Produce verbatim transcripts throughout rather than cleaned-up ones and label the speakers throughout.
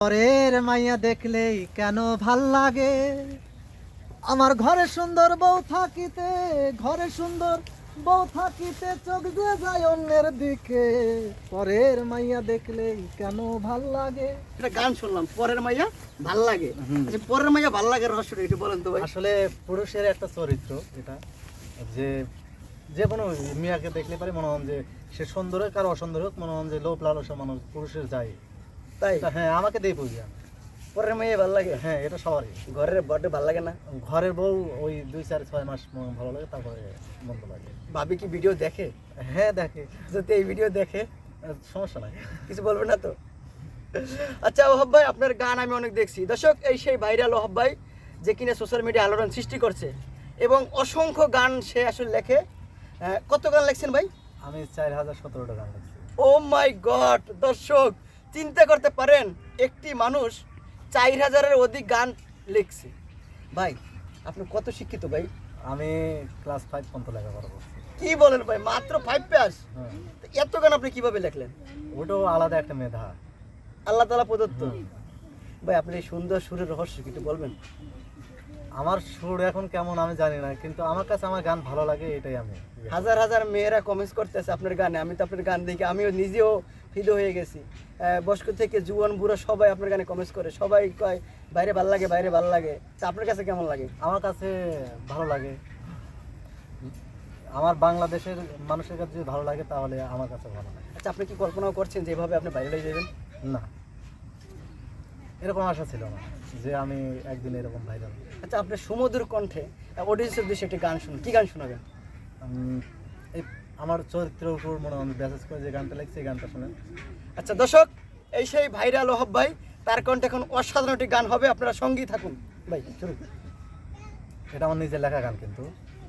Speaker 1: পরের মাইয়া দেখলেই কেন ভাল লাগে, আমার ঘরে সুন্দর বউ থাকিতে, ঘরে সুন্দর বউ থাকিতে চোখ যে যায় অন্যের দিকে। পরের মাইয়া দেখলেই কেন ভাল লাগে।
Speaker 2: এটা গান শুনলাম, পরের মাইয়া ভাল লাগে। আচ্ছা, পরের মাইয়া ভাল লাগে রহস্যটা একটু বলেন তো ভাই।
Speaker 1: আসলে পুরুষের একটা চরিত্র এটা, যে যে কোনো মেয়াকে দেখলে পারে মনে হন যে সে সুন্দর হোক আর অসুন্দর হোক, মনে হন যে লোভ লালসা মানুষ পুরুষের যায়।
Speaker 2: তাই
Speaker 1: হ্যাঁ, আমাকে দিয়ে বুঝি আমি।
Speaker 2: পরের মাইয়া ভাল লাগে।
Speaker 1: হ্যাঁ, এটা সবারই।
Speaker 2: ঘরের বড় ভাল লাগে না?
Speaker 1: ঘরের বউ ওই দুই চার ছয় মাস ম- ভালো লাগে, তারপরে মন্দ লাগে।
Speaker 2: ভাবি কি ভিডিও দেখে?
Speaker 1: হ্যাঁ, দেখে।
Speaker 2: যদি এই ভিডিও দেখে
Speaker 1: আহ, সমস্যা নাই,
Speaker 2: কিছু বলবে না তো? আচ্ছা ওহাব ভাই, আপনার গান আমি অনেক দেখছি। দর্শক, এই সেই ভাইরাল ওহাব ভাই যে কিনা সোশ্যাল মিডিয়া আলোড়ন সৃষ্টি করছে এবং অসংখ্য গান সে আসলে লেখে। আহ, কত গান লেখছেন ভাই?
Speaker 1: আমি চার হাজার সতেরোটা গান লিখছি।
Speaker 2: Oh my God! দর্শক চিন্তা করতে পারেন, একটি মানুষ চার হাজারের অধিক গান লিখছে। ভাই আপনি কত শিক্ষিত ভাই?
Speaker 1: আমি ক্লাস ফাইভ পর্যন্ত লেখাপড়া করছি।
Speaker 2: কি বলেন ভাই, মাত্র ফাইভ পাস?
Speaker 1: হ্যাঁ,
Speaker 2: এত গান আপনি কিভাবে লেখলেন?
Speaker 1: ওটাও আলাদা একটা মেধা।
Speaker 2: আল্লাহ তাআলা প্রদত্ত।
Speaker 1: হুম।
Speaker 2: ভাই আপনি এই সুন্দর সুরের রহস্য কি একটু বলবেন?
Speaker 1: আমার সুর এখন কেমন আমি জানি না, কিন্তু আমার কাছে আমার গান ভালো লাগে, এটাই আমি।
Speaker 2: হাজার হাজার মেয়েরা কমেন্টস করতেছে আপনার গানে। আমি তো আপনার গান দেখে আমিও নিজেও ফিদো হয়ে গেছি। আহ, বয়স্ক থেকে জুয়ান বুড়ো সবাই আপনার গানে কমেন্টস করে, সবাই কয় বাইরে ভাল লাগে, বাইরে ভাল লাগে। তা আপনার কাছে কেমন লাগে?
Speaker 1: আমার কাছে ভালো লাগে। আমার বাংলাদেশের মানুষের কাছে যদি ভালো লাগে তাহলে আমার কাছে ভালো লাগে।
Speaker 2: আচ্ছা, আপনি কি কল্পনাও করছেন যে এভাবে আপনি বাইরে হয়ে যাবেন?
Speaker 1: না, এরকম আশা ছিল না যে আমি একদিন এরকম ভাইরাল।
Speaker 2: আচ্ছা, আপনার সুমধুর কণ্ঠে অডিয়েন্সের উদ্দেশ্যে একটি গান শুনুন। কি গান শোনাবেন?
Speaker 1: এই আমার চরিত্রের উপর মনে হয় ব্যাসেস করে যে গানটা লিখছি, এই গানটা শুনে।
Speaker 2: আচ্ছা দর্শক, এই সেই ভাইরাল ওহাব ভাই, তার কণ্ঠে এখন অসাধারণ একটি গান হবে, আপনারা সঙ্গী থাকুন। ভাই শুরু।
Speaker 1: এটা আমার নিজের লেখা গান কিন্তু।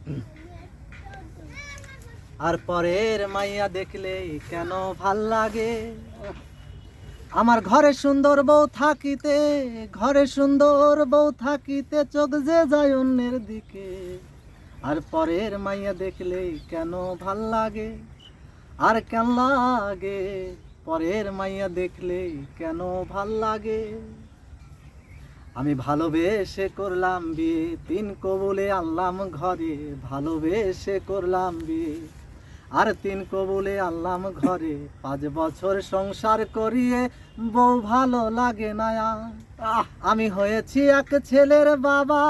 Speaker 1: আর পরের মাইয়া দেখলেই কেন ভাল লাগে, আমার ঘরে সুন্দর বউ থাকিতে, ঘরে সুন্দর বউ থাকিতে চোখ যে যায় অন্যের দিকে। আর পরের মাইয়া দেখলেই কেন ভাল লাগে, আর কেন লাগে, পরের মাইয়া দেখলেই কেন ভাল লাগে। আমি ভালোবেসে করলাম বিয়ে, তিন কবুলে আনলাম ঘরে, ভালোবেসে করলাম বিয়ে আর তিন কবুলে আনলাম ঘরে। পাঁচ বছর সংসার করিয়ে বউ ভালো লাগে না আহ, আমি হয়েছি এক ছেলের বাবা,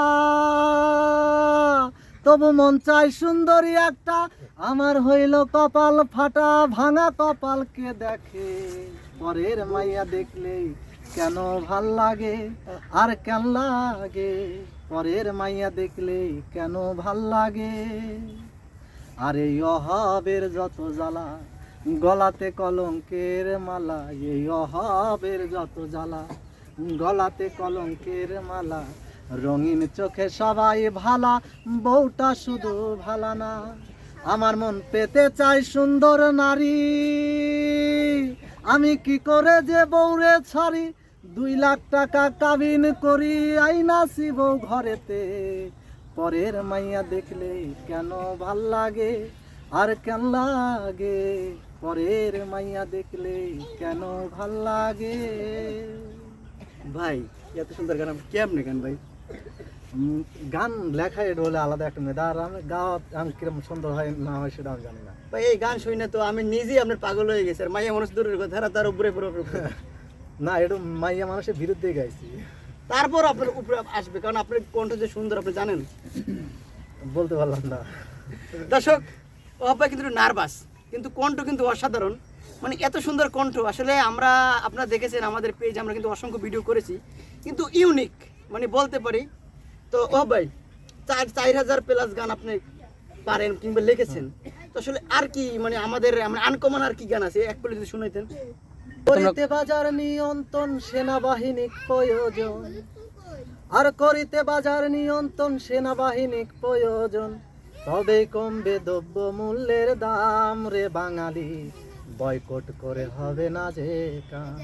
Speaker 1: তবু মন চাই সুন্দরী একটা, আমার হইল কপাল ফাটা, ভাঙা কপালকে দেখে। পরের মাইয়া দেখলেই কেন ভাল লাগে, আর কেন লাগে, পরের মাইয়া দেখলেই কেন ভাল লাগে। আর এই অহাবের যত জ্বালা, গলাতে কলঙ্কের মালা, এই অহাবের যত জ্বালা, গলাতে কলঙ্কের মালা, রঙিন চোখে সবাই ভালা, বউটা শুধু ভালা না। আমার মন পেতে চাই সুন্দর নারী, আমি কি করে যে বউরে ছাড়ি, দুই লাখ টাকা কাবিন করি, আইনাছি বউ ঘরেতে। পরের মাইয়া দেখলে কেন ভাল লাগে, আর কেন লাগে, পরের মাইয়া দেখলে কেন ভাল লাগে।
Speaker 2: ভাই এত সুন্দর গান আপনি কেমনে গান ভাই?
Speaker 1: উম, গান লেখা এটা হলে আলাদা একটা মেধা, আর আমি গাওয়া আমি কিরকম সুন্দর হয় না হয় সেটা আমি জানি না।
Speaker 2: ভাই এই গান শুনে তো আমি নিজেই আপনার পাগল হয়ে গেছি। আর মাইয়া মানুষ দূরের কথা, তার উপরে পুরো
Speaker 1: না, এটা মাইয়া মানুষের বিরুদ্ধে গাইছি।
Speaker 2: তারপর আপনার উপরে আসবে, কারণ আপনার কণ্ঠ যে সুন্দর আপনি জানেন।
Speaker 1: বলতে পারলাম না।
Speaker 2: দর্শক, ওহাব ভাই কিন্তু নার্ভাস, কিন্তু কণ্ঠ কিন্তু অসাধারণ। মানে এত সুন্দর কণ্ঠ আসলে আমরা, আপনারা দেখেছেন আমাদের পেজ, আমরা কিন্তু অসংখ্য ভিডিও করেছি, কিন্তু ইউনিক মানে বলতে পারি। তো ওহাব ভাই, চার চার হাজার প্লাস গান আপনি পারেন কিংবা লিখেছেন, তো আসলে আর কি মানে আমাদের আনকমন আর কি গান আছে এক বলে যদি শুনাইতেন।
Speaker 1: করিতে বাজার নিয়ন্ত্রণ সেনাবাহিনী প্রয়োজন, আর করিতে বাজার নিয়ন্ত্রণ সেনাবাহিনী প্রয়োজন, তবে কমবে দ্রব্য মূল্যের দাম রে বাঙালি, বয়কট করে হবে না যে কাম।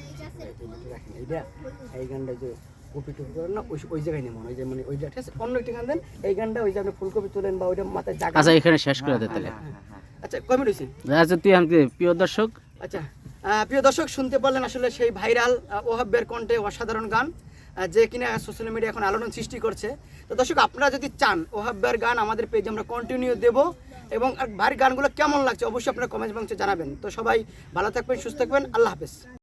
Speaker 2: এই গানটা যে কপি টুপি করেন না, ওই ওই জায়গায় নেই মনে হয় যে মানে ওইটা ঠিক আছে, অন্য একটি গান দেন। এই গানটা ওই যে আপনি ফুলকপি তোলেন বা ওইটা মাথায় জায়গা।
Speaker 3: আচ্ছা, এখানে শেষ করে দে তাহলে।
Speaker 2: আচ্ছা কয় মিনিট হয়েছে?
Speaker 3: আচ্ছা, তুই আমাকে প্রিয় দর্শক
Speaker 2: আচ্ছা আহ, প্রিয় দর্শক, শুনতে পারলেন আসলে সেই ভাইরাল ওহাবের কণ্ঠে অসাধারণ গান, আহ, যে কিনা সোশ্যাল মিডিয়া এখন আলোড়ন সৃষ্টি করছে। তো দর্শক, আপনারা যদি চান ওহাবের গান আমাদের পেজে আমরা কন্টিনিউ দেব, এবং আর ভাইয়ের গানগুলো কেমন লাগছে অবশ্যই আপনারা কমেন্ট বক্সে জানাবেন। তো সবাই ভালো থাকবেন, সুস্থ থাকবেন, আল্লাহ হাফেজ।